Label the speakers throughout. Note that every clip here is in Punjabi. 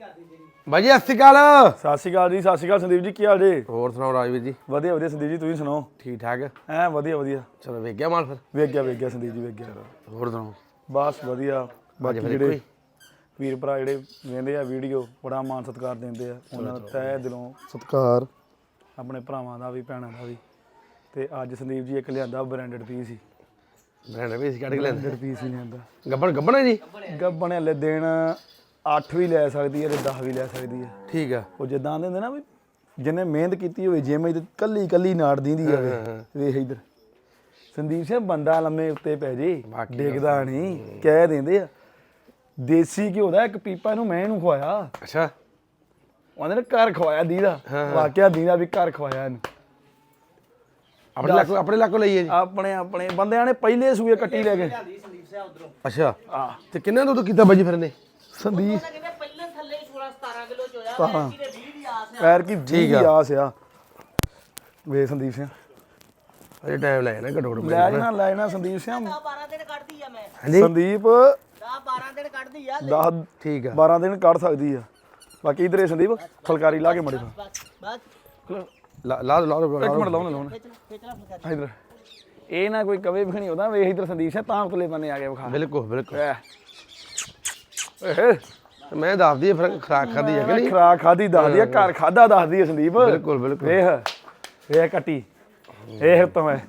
Speaker 1: ਬਾਜੀ ਸਤਿ ਸ਼੍ਰੀ ਅਕਾਲ।
Speaker 2: ਸਤਿ ਸ਼੍ਰੀ ਅਕਾਲ ਜੀ, ਸਤਿ ਸ਼੍ਰੀ ਅਕਾਲ ਸੰਦੀਪ ਜੀ, ਕੀ ਹਾਲ ਜੀ?
Speaker 1: ਹੋਰ ਸੁਣਾਓ ਰਾਜਵੀਰ ਜੀ?
Speaker 2: ਵਧੀਆ ਵਧੀਆ ਸੰਦੀਪ ਜੀ, ਤੁਸੀਂ ਸੁਣਾਓ?
Speaker 1: ਠੀਕ ਠਾਕ
Speaker 2: ਐ ਵਧੀਆ ਵਧੀਆ।
Speaker 1: ਚਲੋ ਵੇਖ ਗਿਆ ਮਾਲ ਫਿਰ?
Speaker 2: ਵੇਖ ਗਿਆ ਸੰਦੀਪ ਜੀ, ਵੇਖ ਗਿਆ।
Speaker 1: ਹੋਰ ਸੁਣਾਓ?
Speaker 2: ਬਸ ਵਧੀਆ। ਬਾਕੀ
Speaker 1: ਫਿਰ
Speaker 2: ਜਿਹੜੇ ਵੀਰ ਭਰਾ ਜਿਹੜੇ ਵੇਖਦੇ ਆ ਵੀਡੀਓ, ਬੜਾ ਮਾਣ ਸਤਿਕਾਰ ਦਿੰਦੇ ਆ, ਉਹਨਾਂ ਦਾ ਤਹਿ ਦਿਲੋਂ ਸਤਿਕਾਰ, ਆਪਣੇ ਭਰਾਵਾਂ ਦਾ ਵੀ ਭੈਣਾਂ ਦਾ ਵੀ। ਤੇ ਅੱਜ ਸੰਦੀਪ ਜੀ ਇੱਕ ਲਿਆਂਦਾ ਬ੍ਰਾਂਡਡ ਪੀਸ ਸੀ।
Speaker 1: ਬ੍ਰਾਂਡਡ ਪੀਸ ਕੱਢ ਕੇ ਲੈਂਦੇ?
Speaker 2: ਬ੍ਰਾਂਡਡ ਪੀਸ ਹੀ ਲਿਆਂਦਾ।
Speaker 1: ਗੱਬਣ ਹੈ ਜੀ?
Speaker 2: ਗੱਬਣ ਹਲੇ ਦਿਨ 8 ਵੀ ਲੈ ਸਕਦੀ ਹੈ ਤੇ 10 ਵੀ ਲੈ ਸਕਦੀ ਹੈ।
Speaker 1: ਠੀਕ ਆ।
Speaker 2: ਉਹ ਜਿੱਦਾਂ ਆਂਦੇ ਹੁੰਦੇ ਨਾ ਵੀ ਜਿਹਨੇ ਮਿਹਨਤ ਕੀਤੀ ਹੋਵੇ, ਜਿਵੇਂ ਕੱਲੀ ਕੱਲੀ ਨਾੜ ਦਿੰਦੀ ਆ। ਵੇਖ ਇੱਧਰ ਸੰਦੀਪ ਸਿੰਘ ਬੰਦਾ ਲੰਮੇ ਉੱਤੇ ਪੈ ਜੇ, ਡਿੱਗਦਾ ਨਹੀਂ। ਕਹਿ ਦਿੰਦੇ ਆ ਦੇਸੀ ਘਿਓ ਦਾ ਇੱਕ ਪੀਪਾ ਇਹਨੂੰ ਮੈਂ ਇਹਨੂੰ ਖਵਾਇਆ।
Speaker 1: ਅੱਛਾ।
Speaker 2: ਉਹਨੇ ਘਰ ਖਵਾਇਆ ਦੀਦਾ, ਵਾਕਿਆ ਦੀਦਾ ਵੀ ਘਰ ਖਵਾਇਆ ਇਹਨੂੰ।
Speaker 1: ਆਪਣੇ ਲੱਕੋ ਲਈਏ ਜੀ?
Speaker 2: ਆਪਣੇ ਬੰਦਿਆਂ ਨੇ ਪਹਿਲੇ ਸੂਏ ਕੱਟੀ ਲੈ ਗਏ।
Speaker 1: ਅੱਛਾ। ਤੇ ਕਿੰਨਾ ਦੁੱਧ ਕੀਤਾ ਬਾਜੀ ਫਿਰ ਨੇ?
Speaker 2: ਸੰਦੀਪ
Speaker 3: ਪਹਿਲਾਂ ਥੱਲੇ 16 17 ਕਿਲੋ ਚ ਹੋਇਆ, ਐਤਕੀ ਦੇ 20 ਦੀ ਆਸ ਆ।
Speaker 2: ਪੈਰ ਕੀ 20 ਦੀ ਆਸ ਆ। ਵੇ ਸੰਦੀਪ ਸਿੰਘ
Speaker 1: ਅਜੇ ਟਾਈਮ ਲੈ ਜਾਣਾ ਘੱਟੋ ਘੱਟ।
Speaker 2: ਲੈ ਜਾਣਾ ਸੰਦੀਪ ਸਿੰਘ।
Speaker 3: 12 ਦਿਨ ਕੱਢਦੀ ਆ ਮੈਂ।
Speaker 2: ਸੰਦੀਪ
Speaker 3: 12 ਦਿਨ ਕੱਢਦੀ ਆ।
Speaker 2: 10
Speaker 1: ਠੀਕ ਆ।
Speaker 2: 12 ਦਿਨ ਕੱਢ ਸਕਦੀ ਆ। ਬਾਕੀ ਇਧਰੇ ਸੰਦੀਪ ਫਲਕਾਰੀ ਲਾ ਕੇ ਮੜੇ
Speaker 3: ਬਸ
Speaker 1: ਲਾ ਦੋ
Speaker 2: ਇੱਕ ਮਿੰਟ ਲਾਉਣੇ
Speaker 3: ਖੇਚਣਾ ਫਲਕਾਰੀ।
Speaker 2: ਇਧਰ ਇਹ ਨਾ ਕੋਈ ਕਵੇ ਵਿਖਣੀ ਉਹਦਾ। ਵੇਖ ਇਧਰ ਸੰਦੀਪ ਸਿੰਘ ਤਾਂ ਉਤਲੇ ਬੰਨੇ ਆ ਕੇ ਵਿਖਾ।
Speaker 1: ਬਿਲਕੁਲ
Speaker 2: ਏਹ
Speaker 1: ਮੈਂ ਦੱਸਦੀ ਫਿਰ ਖਰਾਕ ਖਾਦੀ ਹੈ ਕਿ ਨਹੀਂ?
Speaker 2: ਖਰਾਕ ਖਾਦੀ ਦੱਸਦੀ ਆ, ਘਰ ਖਾਦਾ ਦੱਸਦੀ ਆ ਸੰਦੀਪ।
Speaker 1: ਬਿਲਕੁਲ
Speaker 2: ਵੇਖ ਕੱਟੀ ਇਹ ਉੱਤੋਂ ਐ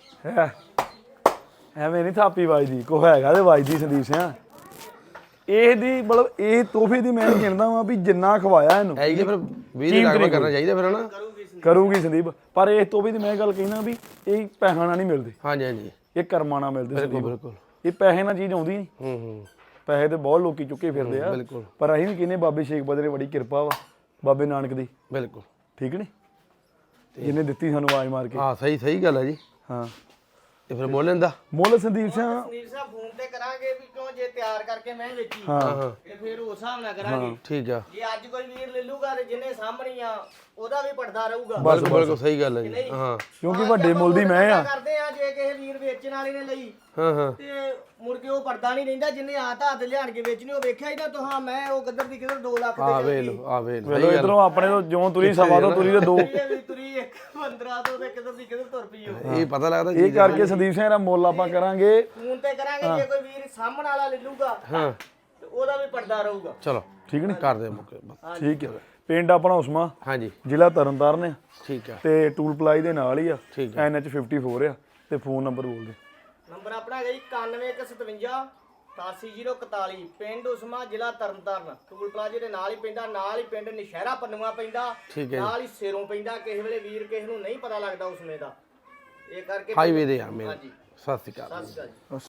Speaker 2: ਐਵੇਂ ਨਹੀਂ ਥਾਪੀ ਵੱਜਦੀ, ਕੋ ਹੈਗਾ ਤੇ ਵੱਜਦੀ ਸੰਦੀਪ ਸਿੰਘ। ਇਹਦੀ ਮਤਲਬ ਇਹ ਤੋਹਫੇ ਦੀ ਮੈਂ ਗਿਣਦਾ ਵਾਂ ਵੀ ਜਿੰਨਾ ਖਵਾਇਆ ਇਹਨੂੰ
Speaker 1: ਹੈ ਕਿ ਫਿਰ 20 ਦੀ ਲਾਗਤ ਕਰਨਾ ਚਾਹੀਦਾ ਫਿਰ ਹਨਾ।
Speaker 2: ਕਰੂਗੀ ਸੰਦੀਪ। ਪਰ ਇਸ ਤੋਹਫੇ ਦੀ ਮੈਂ ਗੱਲ ਕਹਿਣਾ ਵੀ ਇਹ ਪੈਸਾ ਨਾਲ ਨਹੀਂ ਮਿਲਦੀ,
Speaker 1: ਹਾਂਜੀ
Speaker 2: ਇਹ ਕਰਮਾਂ ਨਾਲ ਮਿਲਦੀ ਸੰਦੀਪ।
Speaker 1: ਬਿਲਕੁਲ।
Speaker 2: ਇਹ ਪੈਸੇ ਨਾਲ ਚੀਜ਼ ਆਉਂਦੀ ਨਹੀਂ। ਪੈਸੇ ਤੇ ਬਹੁਤ ਲੋਕੀ ਚੁੱਕੇ ਫਿਰਦੇ ਆ, ਪਰ ਅਸੀਂ ਵੀ ਕਹਿੰਦੇ ਬਾਬੇ ਸ਼ੇਖ ਬਦਰੇ ਬੜੀ ਕਿਰਪਾ ਵਾ ਬਾਬੇ ਨਾਨਕ ਦੀ।
Speaker 1: ਬਿਲਕੁਲ
Speaker 2: ਠੀਕ ਨੀ? ਜਿਹਨੇ ਦਿੱਤੀ ਸਾਨੂੰ ਆਵਾਜ਼ ਮਾਰ ਕੇ।
Speaker 1: ਹਾਂ ਸਹੀ ਗੱਲ ਹੈ ਜੀ।
Speaker 2: ਹਾਂ
Speaker 1: ਤੇ ਫਿਰ ਮੁੱਲ ਇਹਦਾ?
Speaker 2: ਮੁੱਲ ਸੰਦੀਪ ਸਿੰਘ
Speaker 3: ਸੰਦੀਪ ਸਾਹਿਬ ਫੋਨ ਤੇ ਕਰਾਂਗੇ ਵੀ ਕਿਉਂ ਜੇ ਤਿਆਰ ਕਰਕੇ ਮੈਂ ਵੇਚੀ
Speaker 2: ਹਾਂ
Speaker 3: ਤੇ ਫਿਰ ਉਸ ਹਿਸਾਬ ਨਾਲ ਕਰਾਂਗੇ।
Speaker 1: ਠੀਕ ਆ।
Speaker 3: ਜੇ ਅੱਜ ਕੋਈ ਵੀਰ ਲੈ ਲੂਗਾ ਤੇ ਜਿਹਨੇ ਸਾਹਮਣੀ ਆ ਉਹਦਾ ਵੀ ਪੜਦਾ ਰਹੂਗਾ।
Speaker 1: ਬਿਲਕੁਲ ਸਹੀ ਗੱਲ ਹੈ ਜੀ। ਹਾਂ
Speaker 2: ਕਿਉਂਕਿ ਵੱਡੇ ਮੁੱਲ ਦੀ ਮੈਂ ਆ।
Speaker 3: ਕਰਦੇ ਆ ਜੇ ਕਿਸੇ ਵੀਰ ਵੇਚਣ ਵਾਲੇ ਨੇ ਲਈ
Speaker 1: ਹਾਂ
Speaker 3: ਤੇ ਮੁੜ ਕੇ ਉਹ ਪੜਦਾ ਨਹੀਂ ਰਹਿੰਦਾ। ਜਿੰਨੇ ਹੱਥ ਲਿਆਣ ਕੇ ਵੇਚਣੀ ਉਹ ਵੇਖਿਆ ਹੀ ਨਾ ਤੂੰ। ਹਾਂ ਮੈਂ ਉਹ ਕਿੱਧਰ ਦੀ ਕਿੱਧਰ 2 ਲੱਖ ਤੇ
Speaker 1: ਆ ਵੇ
Speaker 2: ਵੇਲੋ ਇਧਰੋਂ ਆਪਣੇ ਤੋਂ ਜਿਉਂ ਤੁਰੀ ਸਵਾ ਤੋਂ ਤੁਰੀ ਤੇ 2
Speaker 3: ਤੁਰੀ 15 ਤੋਂ ਤੇ ਕਿੱਧਰ ਦੀ ਕਿੱਧਰ ਤੁਰ ਪਈ ਉਹ।
Speaker 1: ਇਹ ਪਤਾ ਲੱਗਦਾ
Speaker 2: ਇਹ ਕਰਕੇ ਸੰਦੀਪ ਸਿੰਘ ਦਾ ਮੁੱਲ ਆਪਾਂ ਕਰਾਂਗੇ
Speaker 3: ਫੋਨ ਤੇ ਕਰਾਂਗੇ। ਜੇ ਕੋਈ ਵੀਰ ਸਾਹਮਣ ਵਾਲਾ ਲੈ ਲੂਗਾ
Speaker 1: ਹਾਂ
Speaker 3: ਤੇ ਉਹਦਾ ਵੀ ਪੜਦਾ ਰਹੂਗਾ।
Speaker 1: ਚਲੋ
Speaker 2: ਠੀਕ ਨੀ?
Speaker 1: ਕਰ ਦੇ ਮੁੱਕੇ
Speaker 2: ਠੀਕ ਹੈ। ਪਿੰਡ ਆਪਣਾ ਉਸਮਾ,
Speaker 1: ਹਾਂਜੀ
Speaker 2: ਜ਼ਿਲ੍ਹਾ ਤਰਨਤਾਰਨ ਆ
Speaker 1: ਠੀਕ ਆ।
Speaker 2: ਤੇ ਟੂਲ ਪਲਾਈ ਦੇ ਨਾਲ ਹੀ ਆ।
Speaker 1: ਠੀਕ
Speaker 2: NH 54 ਆ। ਤੇ ਫੋਨ ਨੰਬਰ ਬੋਲ ਦੇ।
Speaker 3: ਨੰਬਰ ਆਪਣਾ ਹੈਗਾ ਜੀ 9157 88041। ਪਿੰਡ ਉਸਮਾ, ਜ਼ਿਲ੍ਹਾ ਤਰਨਤਾਰਨ। ਟੂਲ ਪਲਾਜ਼ੇ ਦੇ ਨਾਲ ਹੀ ਪੈਂਦਾ, ਨਾਲ ਹੀ ਪਿੰਡ ਨਸ਼ਹਿਰਾ ਪੰਨੂਆ ਪੈਂਦਾ, ਨਾਲ ਹੀ ਸਿਰੋਂ ਪੈਂਦਾ। ਕਿਸੇ ਵੇਲੇ ਵੀਰ ਕਿਸੇ ਨੂੰ ਨਹੀਂ ਪਤਾ ਲੱਗਦਾ ਉਸਮੇ ਦਾ, ਇਹ ਕਰਕੇ
Speaker 1: ਹਾਈਵੇ ਦੇ ਆ ਮੇਰੇ।
Speaker 3: ਹਾਂਜੀ
Speaker 1: ਸਤਿ ਸ਼੍ਰੀ ਅਕਾਲ।
Speaker 3: ਸਤਿ ਸ਼੍ਰੀ ਅਕਾਲ ਜੀ।